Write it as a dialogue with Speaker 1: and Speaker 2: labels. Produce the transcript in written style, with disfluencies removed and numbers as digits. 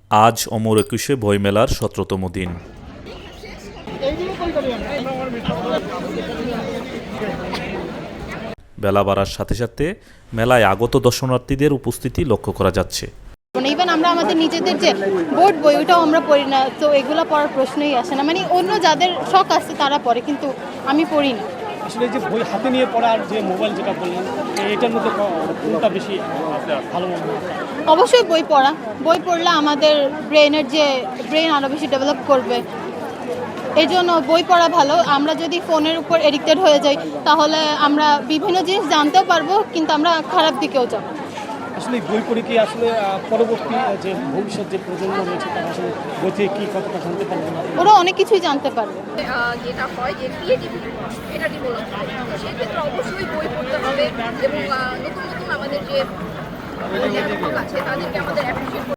Speaker 1: আজ অমর একুশে বইমেলার ১৭তম দিন। বেলা বাড়ার সাথে সাথে মেলায় আগত দর্শনার্থীদের উপস্থিতি লক্ষ্য করা যাচ্ছে।
Speaker 2: ইভেন আমরা আমাদের নিজেদের যে বোর্ড বই ওটাও আমরা পড়ি না, তো এগুলো পড়ার প্রশ্নই আসে না। মানে অন্য যাদের শখ আছে তারা পড়ে, কিন্তু আমি পড়ি না।
Speaker 3: আসলে যে বই হাতে নিয়ে পড়া আর যে মোবাইল যেটা বললেন, এটার মধ্যে কোনটা বেশি ভালো মনে হয়?
Speaker 2: অবশ্যই বই পড়া। বই পড়লে আমাদের ব্রেন আরও বেশি ডেভেলপ করবে, এই জন্য বই পড়া ভালো। আমরা যদি ফোনের উপর এডিক্টেড হয়ে যাই তাহলে আমরা বিভিন্ন জিনিস জানতেও পারবো, কিন্তু আমরা খারাপ দিকেও যাব।
Speaker 3: আসলে বই পড়ে কি আসলে পরবর্তী যে ভবিষ্যৎ যে প্রজন্ম রয়েছে তারা আসলে বই থেকে কী কতটা জানতে পারবে না?
Speaker 2: ওরা অনেক কিছুই জানতে পারবে।
Speaker 4: যেটা হয় যে ক্রিয়েটিভিটি, এটা ডেভেলপ হয়। তো সেই ক্ষেত্রে অবশ্যই বই পড়তে হবে এবং নতুন নতুন আমাদের যে লেখক আছে তাদেরকে আমাদের অ্যাপ্রিসিয়েট